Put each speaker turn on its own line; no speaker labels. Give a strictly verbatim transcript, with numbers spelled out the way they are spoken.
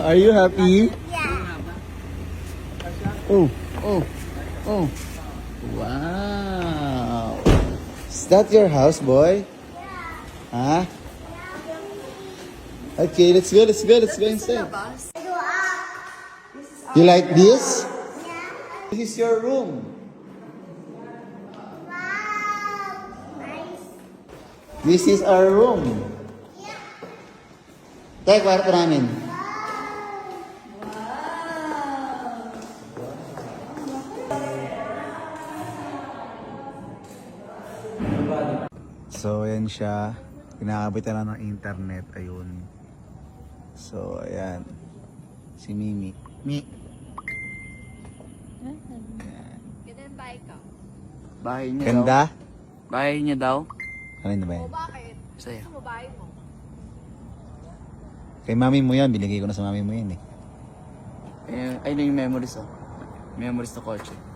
Are you happy?
Yeah.
Oh, oh, oh. Wow. Is that your house, boy? Huh? Okay, let's go, let's go, let's go inside. You like this? This is your room. This is our room. Tayo, kwarto namin. So, ayan siya. Kinakabitan lang ng internet. Ayun. So, ayan. Si Mimi. Mi.
Ganda yung bahay ka.
Bahay niya
Ganda?
daw. Bahay niya daw.
Ano na ba yan?
O bakit?
Sa'yo.
Gusto mo bahay mo?
Kay mami mo yan. Binigay ko na sa mami mo yan eh.
Eh, ayun yung memories oh. Memories ng kotse.